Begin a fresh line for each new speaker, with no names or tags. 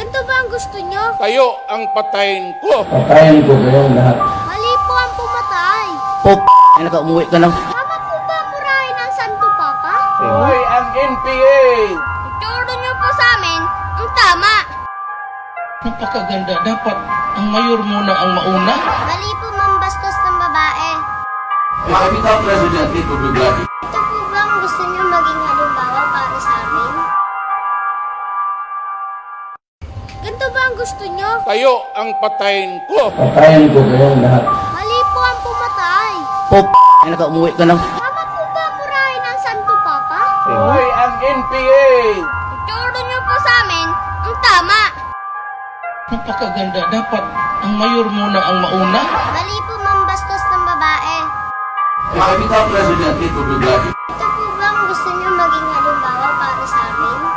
Ganito ba ang gusto nyo?
Kayo ang patayin ko.
Patayin ko kayong lahat.
Mali po ang pumatay.
Pop, ay naka-umuwi ka lang.
Tama po ba murahin ang Santo Papa?
Hoy, ang NPA!
Ituro nyo po sa amin ang tama.
Napakaganda. Dapat ang mayor muna ang mauna.
Mali po mambastos ng babae.
Kami daw president dito, Dugladi.
Ito po ba ang gusto nyo maging halimbawa para sa amin? Ganito ba ang gusto nyo?
Kayo ang patayin ko.
Patayin ko kayong lahat.
Mali po ang pumatay.
Pop, ay naka-umuwi ka lang.
Tama po ba murahin ang Santo Papa?
Hoy, ang NPA!
Ituro nyo po sa amin ang tama.
Napakaganda. Dapat ang mayor muna ang mauna.
Mali po mambastos ng babae.
Kami daw president dito, Dugladi.
Ito po ba ang gusto nyo maging halimbawa para sa amin?